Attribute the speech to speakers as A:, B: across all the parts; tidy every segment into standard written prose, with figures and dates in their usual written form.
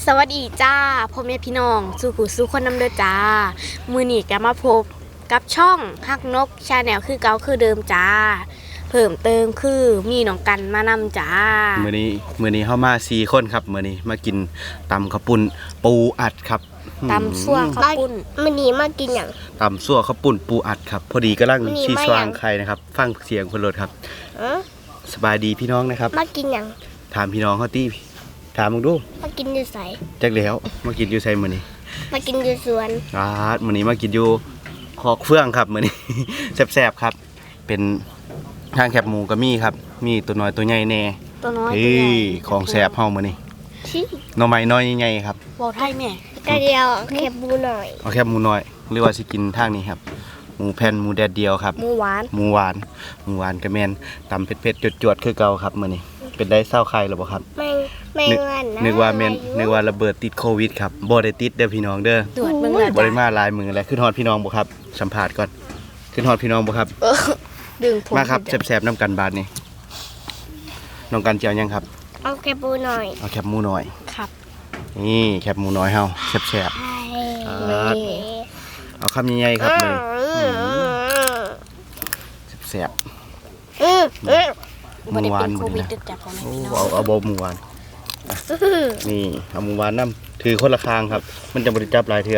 A: สวัสดีจ้าพ่อแม่พี่น้องสู่ผู้สู่คนนำเด้อจ้ามื้อนี้ก็มาพบกับช่องฮักนกชาแนลคือเก่าคือเดิมจ้าเพิ่มเติมคือมีน้องกันมานำจ้า
B: มื้อนี้เฮามา4คนครับมื้อนี้มากินตำข้าวปุ้นปูอัดครับ
A: ตำซั่วข้าวปุ้น
C: มื้อนี้มากินหยัง
B: ตำซั่วข้าวปุ้นปูอัดครับพอดีกำลังชีสว่างไข่นะครับฟังเสียงเพิ่นรถครับสบายดีพี่น้องนะครับ
C: มากินหยัง
B: ถามพี่น้องเฮาติถามมึงดู
C: มากินอยู่ไส
B: จักแล้วมากินอยู่ไสมื้อนี้
C: มากินอยู่สวน
B: มื้อนี้มากินอยู่คอกเฟื่องครับมื้อนี้ แซ่บๆครับเป็นทางแคบหมูก็มีครับมีตัวน้อยตัวใหญ่แน่
A: ตัวน้อย
B: ของแซ่บเฮามื้อนี้หน่อไม้น้อยใหญ่ๆครับ
A: เว้าไทยแม่
C: กระเดียวแคบหมูหน่อย
B: เอาแคบหมูน้อยหรือว่าสิกินทางนี้ครับหมูแผ่นหมูแดดเดียวครับ
A: หมูหว
B: านก็แม่นตำเผ็ดๆจวดๆคือเก่าครับมื้อนี้เป็นได้เศร้าไข่หรือบ่ครับ
C: ไม่วันนะ
B: นึกว่าระเบิดติดโควิดครับบ่ได้ติดเด้อพี่น้องเด้อ
A: ตรวจเบิ่งแล้ว
B: บ่ได้มาหลายมื้อแล้วขึ้นฮอดพี่น้องบ่ครับสัมภาษณ์ก่อนขึ้นฮอดพี่น้องบ่ครับ
A: ดึงผม
B: มาครับแซ่บๆน้ำกันบาดนี้น้องกันเจียวยังครับ
C: เอาแคบหมูหน่อย
B: เอาแคบหมูน้อย
A: ครับ
B: นี่แคบหมูน้อยเฮาแซ่บๆเอาคำใหญ่ๆครับเลยแซ่บ
A: หมูหวานโควิดตึกจับของแม่พี่น้อง
B: เอาบ่หมูหวานนี่เอาหมูหวานน้ำถือคนละคางครับมันจะบริจับหลายเถื่อ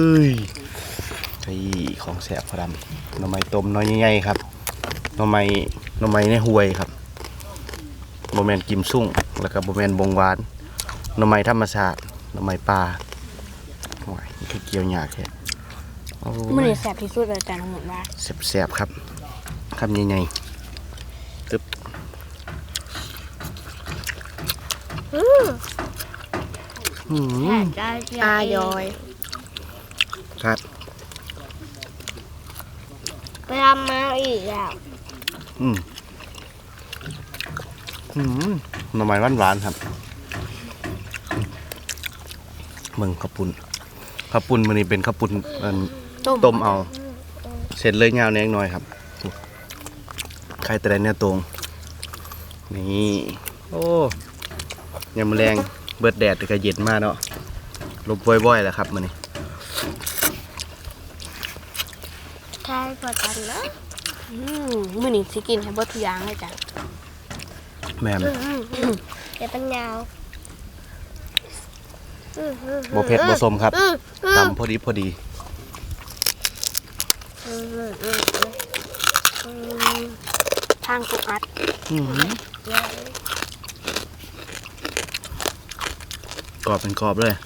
B: ของแสบพอดำหน่อไม้ต้มน้อยใหญ่ๆครับหน่อไม้ในห้วยครับโบแมนกิมซุ่งแล้วก็โบแมนบงหวานหน่อไม้ธรรมชาติหน่อไม้ปลาโอ้ยคือเกี่ยวหยาแค่
A: มื้อนี้แซ่บที่สุดเลยจ้ะน้องหมดว่า
B: แซ่บครับคำใหญ่ๆตึ๊บ
A: อายอย
B: ครับ
C: ไปทำมาอีกแล้ว
B: หน่อไม้หวานๆครับเมืองข้าวปุ้นมื้อนี้เป็นข้าวปุ้นต้มเอาเสร็จเลยยาวแน่น้อยครับไข่แต่ละเนี่ยตรงนี่โอ้ยามแรงเบิดแดดแต่ก็เย็นมากเนาะลมว่อยๆแหละครับมื้อนี้
C: ใช่พอกันนะ
A: มื้อนี้สิกินให้เบิดทุกอย่างเลยจ้ะ
B: แม่น
C: เดี๋ยวเป็นยาว
B: บ่เผ็ดบ่ส้มครับตำพอดี
A: ทางปูอัด
B: กรอบเป็นกรอบเลย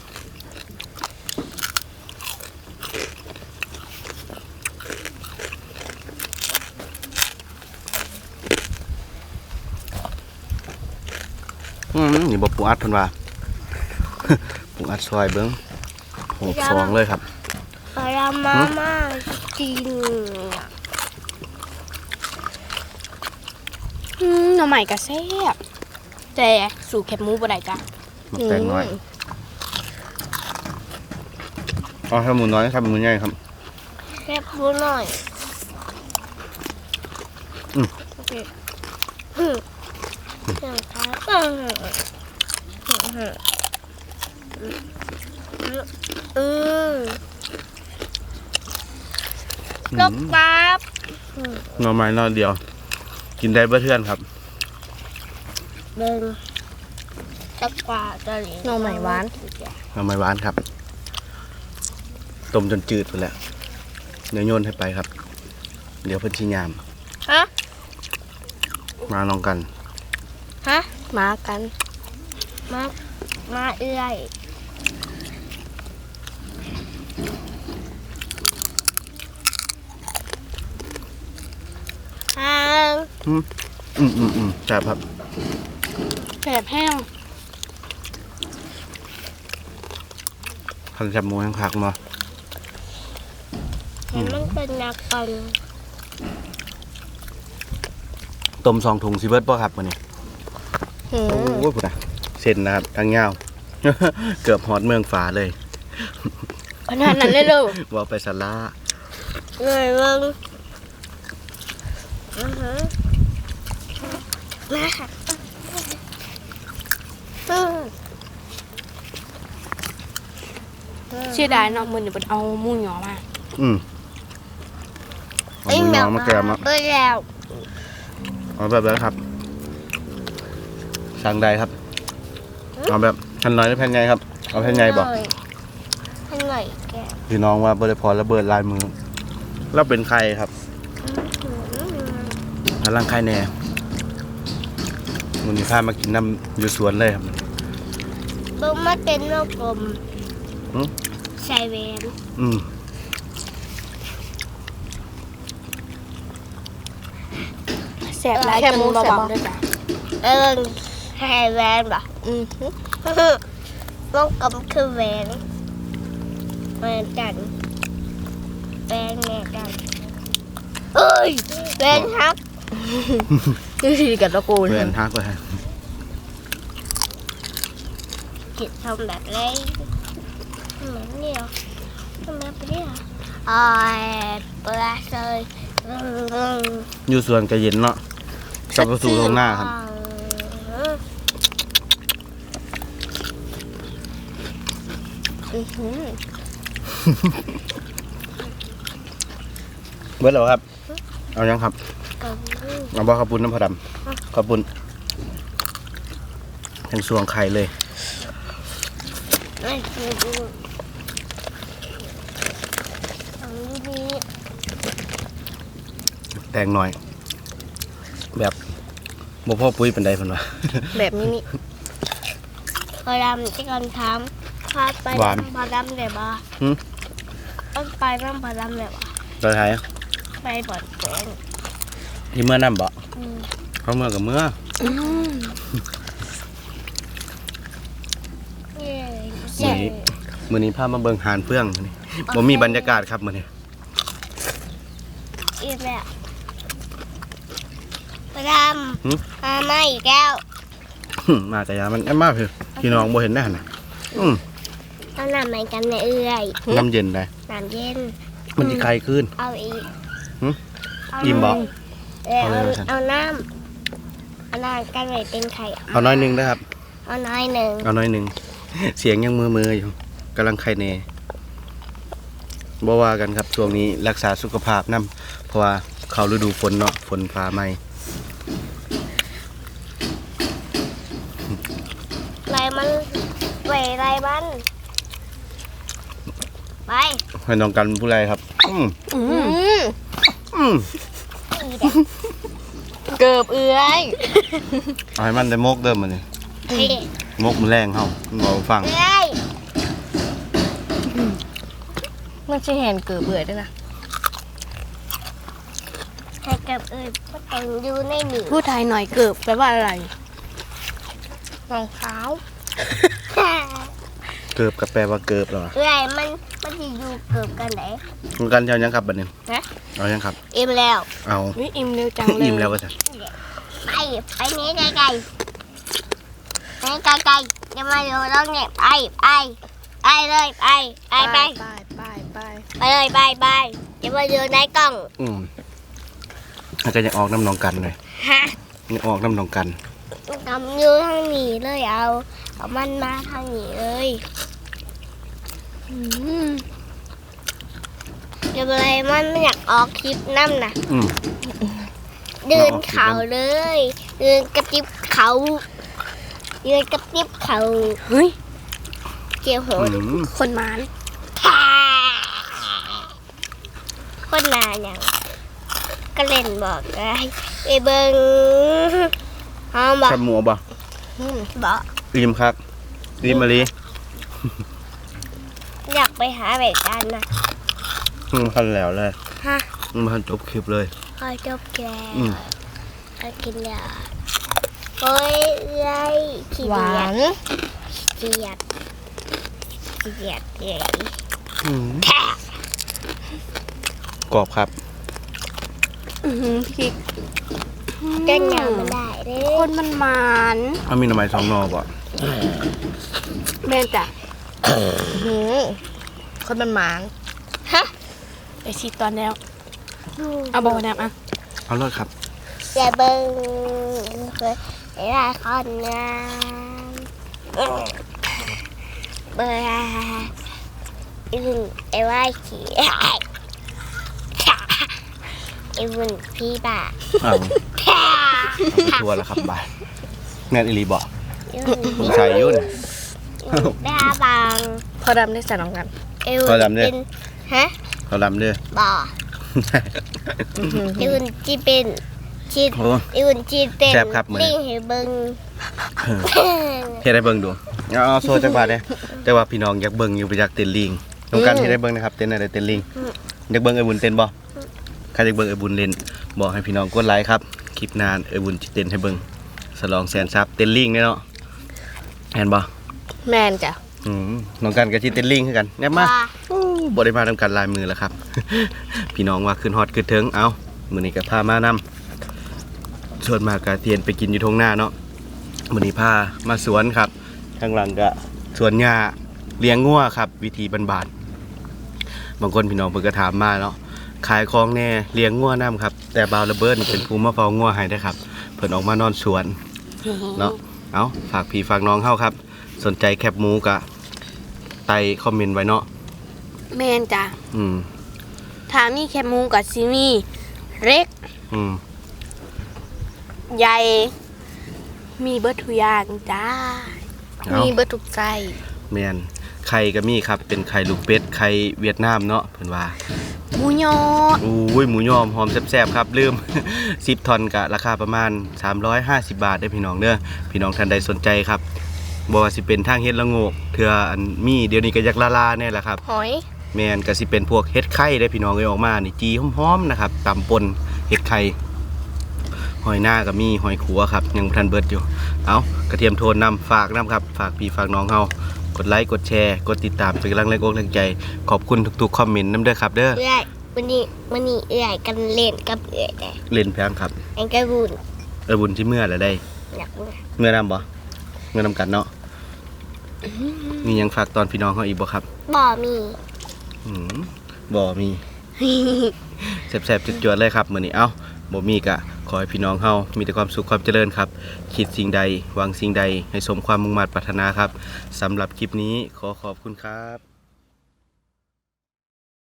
B: นี่บ่ปูอัดเพิ่นว่าปูอัดซอยเบิ่ง6-2เลยครับ
C: ไปรามาจริง
A: หน่อไม้ก็แซ่บแต่สู่แคบหมูบ่ได้จ้ะ
B: หมกแตงน้อยเอาแคบหมูน้อยครับหมูใหญ่ครับ
C: แคบหมูหน่อยโอเคอย่างครับลบปั๊บ
B: หน่อไม้น้อยเดียวกินได้เพื่อนครับ
C: เดินตะกว่าจะหลี
A: หน่อไม้หวาน
B: ครับต้มจนจืดไปแล้วเดี๋ยวโยนให้ไปครับเดี๋ยวเพิ่นชิยามมาลองกัน
A: มากัน
C: มาเอื้อย
B: แซ่บครับ
A: แซ่บแห้ง
B: คันแซ่บหมูแห้งผักมา
C: มันเป็นนักกัน
B: ต้ม2 ถุงสิเบิดป่ะครับวันนี้โอ้ยพุ่นนะเส้นนะครับทางยาวเกือบฮอดเมืองฝาเลย
A: ขนาดนั้นเลยลูก
B: ว่าไปสาระ
C: เลยเบิ่งมา
A: เสียดายเนาะมื้อนี้เพิ่นเอาหมูหยอมา
B: เอาหมูยอมาแกมอ่ะ
C: แล้ว
B: เอาแบบนั้นครับสั่งได้ครับเอาแบบแผ่นน้อยหรือแผ่นใหญ่ครับเอาแผ่นใหญ่บอก
C: ให้หน่อยแก
B: พี่น้องว่าบริพรระเบิดลายมือแล้วเป็นใครครับพลังใครแน่มันมีข้ามากินน้ำอยู่สวนเลยครับ
C: บุ้มมาเป็นโลกกลม
B: หืม
C: ใส่แหวน
A: แซ่บหลายจนบ่บอกด้วยจ้ะ
C: ใส่แหวนบ่โลกกลมคือแหวนเหมือนกันแหวนเหมือนกันเอ้ยแหวนฮัก
A: นี่สิกับตะกูล
B: เพื่อนทักเลย
C: กินทำแบบไรเหมือนเดียวทำแบบเดียวอ้อยเปลือกเลย
B: อยู่สวนกระเย็นเนาะกลับมาสู่ตรงหน้าครับเบิร์ดแล้วครับเอายังครับเอาบ่ข้าวปุ้นน้ำผดำข้าวปุ้นทั้งสวงไข่เลย แตงหน่อย แบบบ่พ่อปุ้ยเป็นไดเพิ่นว่า
A: แบบนี้นี่
C: พอดำที่ก่อนทำพาไป
B: หวาน
C: พอดำเลยบ่
B: หืม
C: ต้องไปบ้างพอดำเลยบ่
B: ตอนท้าย
C: ไปบ่อนแกง
B: ที่เมื่อน้ำบ่เขาเมื่อกับเมื่อ มื้อนี้พามาเบิ่งหานเฟื่องมื้อนี้บ่มีบรรยากาศครับมื้อนี้
C: อีกแล้วพอดำมาไม่อีกแล้ว
B: มาแต่ยามันแอมมาเพิ่นพี่น้องบ่เห็นได้หั่นน่ะ
C: เอาน้ำใหม่กันในเอื้อย
B: น้ำเย็นได้
C: น้ำเย็น
B: มันสิคลายขึ้น
C: เอาอีก
B: หึ
C: เอา
B: อิ่มบ่
C: เอา
B: เอาเลยว่าซั่น
C: เอาน้ำกันไว้เป็นไข่
B: เอาน้อยหนึงนะครับ
C: เอาน้อยหนึ่ง
B: เอาน้อยหนึง เสียงยังมือๆอยู่กำลังไข้แน่บ่ว่ากันครับช่วงนี้รักษาสุขภาพนำเพราะว่าเข้าฤดูฝนเนาะฝนฟ้าไหม้
C: ไรมันไหวไรบ้านไป
B: ให้น้องกันผู้ไรครับ
A: เกือบเอื้อย
B: เอาให้มันได้มกเดิมมื้อนี้
C: เฮ้ย
B: มกมันแรงเฮาบ่ฟัง
C: เอ้ย
A: มันสิเห็นเกือบเอื้อยด้วยนะ
C: ให้กับเอ้ยก็ต้องอยู่ในหนี
A: พูดไทยหน่อยเกือบแปลว่าอะไรรองเท้า
B: เกิบกับแปลว่าเกิบเหรอ
C: เอ้ยมันจะอยู่เกือบกันไหน
B: น้องกันเอายังครับบัดนี้
C: นะ
B: เอายังครับ
C: อิ่มแล้ว
B: เอา
A: วิอิ่มเร็วจังเลย
B: อิ่มแล้วว่าซั่น
C: ไปนี้ไกลไกลไปไกลไกลอย่ามาอยู่ตรงนี้ไปเลยไปไป
A: ไป
C: เลยไปอย่ามาอยู่ในกล้อง
B: แล้วก็ยังออกน้ำน้องกันเลย
C: ฮะ
B: ยังออกน้ำน้องกัน
C: ทำอยู่ทางนี้เลยเอามันมาทางนี้เลยเดี๋ยวอะไรมันไม่อยากออกคลิปน้ำนะ เดินเขาเลย เดินกระติบเขาเดินกระติบเขา
A: เฮ้ย
C: เกี่ยวโหด
A: คนหมาน
C: คนนานอย่างก็เล่นบอกได้ไปเบิ้งห้องบอก
B: ครับหมูบ่
C: บอก
B: ริมครับริมมะลิ
C: อยากไปหาแบบกันนะ
B: พันแล้วเลย
C: ฮะ
B: มันจบคลิปเลย
C: พอจบแก่ก็กินยาโอ้ยไรขี้
A: หวา
C: เกีย
A: น
C: จขี้เกียจเลย
B: กรอบครับ
A: พริก
C: ก็ยำไม่ได้เลย
A: คนมันหมาน
B: เอามีหน่อไม้2 หน่อบ่
A: แม่จ้ะคนมันหมาน
C: ฮะ
A: ไอชีตอนแล้วเอาบอกน้ำอ่ะ
B: เอาเลยครับ
C: อย่าเบิ้งเคยเวลาคนงานเบอร์อุ่นไอ้ว่าขี่ไอ้วุ่นพี่บ้า
B: อ้าวทัวร์แล้วครับบ่ายแม่นอีหลีบอก
C: ไอ้วุ่น
B: ผมใส่ยุ่น
C: บ้าบาง
A: พอดำได้ใส่น้องกัน
C: ไอ้วุ่น
B: เขาดำเนี่ย
C: เป็นฮะ
B: เขาลำเด้อ
C: บ่อไอ้วุ่นจีเป็นชี
B: โอ้
C: ไอ้วุ่นจีเป็น
B: แซ่บครับมื้อนี้
C: ลิงให้เบิ่ง
B: เฮ็ดให้เบิ่งดูเอาโซ่จักบาทเด้แต่ว่าพี่น้องอยากเบิ่งอยู่ไปอยากเต้นลิงต้องการเฮ็ดให้เบิ่งนะครับเต้นอะไรเต้นลิงอยากเบิ่งไอ้บุญเต้นบ่ใครอยากเบิ่งไอ้บุญเล่นบอกให้พี่น้องกดไลค์ครับคลิปหน้าไอ้บุญสิเต้นให้เบิ่งฉลองแสนซับเต้นลิงเนาะเห็นบ่
A: แมนจ้ะ
B: น้องกันก็สิเต้นลิงคือกันแน่มา
C: ว่า
B: บ่ได้มาทำกันลายมือแล้วครับ พี่น้องว่าขึ้นฮอดขึ้นเทิงเอามื้อนี้ก็พามานำส่วนมากก็เทียนไปกินอยู่ทงหน้าเนาะมื้อนี้พามาสวนครับข้างหลังก็สวนหญ้าเลี้ยงงัวครับ วิธีบ้านๆบางคนพี่น้องเพิ่นก็ถามมาเนาะขายของแน่เลี้ยงงัวนํครับแต่บ่าวระเบิดนี่เป็นผู้มาเฝ้างัวให้เด้อครับเพิ่นออกมานอนสวนเนาะเอาฝากพี่ฝากน้องเฮาครับ สนใจแคบหมูก็ไต่คอมเมนต์ไว้เนาะ
A: แมนจ้ะ
B: อืม
A: ถ้ามีแคบหมูกับซิมีเล็ก
B: อืม
A: ใหญ่ มีเบิร์ทุกอย่างจ้า
B: เอา
A: มีเบิร์ทุกใจ
B: แมนไข่ก็มีครับเป็นไข่ลูกเป็ดไข่เวียดนามเนาะเพิ่นว่า
A: หมูยอ
B: อุ้ยหมูยอมหอมแซ่บๆครับลืม 10 ทอนก็ราคาประมาณ350 บาทได้อพี่น้องเด้อพี่น้องท่านใดสนใจครับบ่ว่าสิเป็นทางเฮ็ดละโงกเทื่ออันมีเดี๋ยวนี้ก็อยากลาๆเนี่ยแหละครับ
A: หอย
B: แมนก็สิเป็นพวกเฮ็ดไข่ได้อพี่น้องเอ้ยออกมานี่จีหอมๆนะครับตำปนเฮ็ดไข่หอยหน้าก็มีหอยขัวครับยังบ่ทันเบิดอยู่เอากระเทียมโทนนำฝากนำครับฝากพี่ฝากน้องเฮากดไลค์กดแชร์กดติดตามเป็นกำลังแรงอกแรงใจขอบคุณทุกๆคอมเมนต์นำเด้อครับเด้อ
C: เอื้อยวันนี้เอื้อยกันเล่นกับเอื้อยแต่
B: เล่นแพงครับ
C: ไอ้กระบุน
B: บุญที่เมื่อแล้วได้
C: อยากเมื่อ
B: เมื่อนำบ่เมื่อนำกันเนาะมีหยังฝากตอนพี่น้องเฮาอีกบ่ครับ
C: บ่มี
B: อืมบ่มี แซ่บๆจวดๆเลยครับมื้อนี้เอ้าบ่มีกะขอให้พี่น้องเฮามีแต่ความสุขความเจริญครับคิดสิ่งใดหวังสิ่งใดให้สมความมุ่งมั่นปรารถนาครับสำหรับคลิปนี้ขอขอบคุณครับ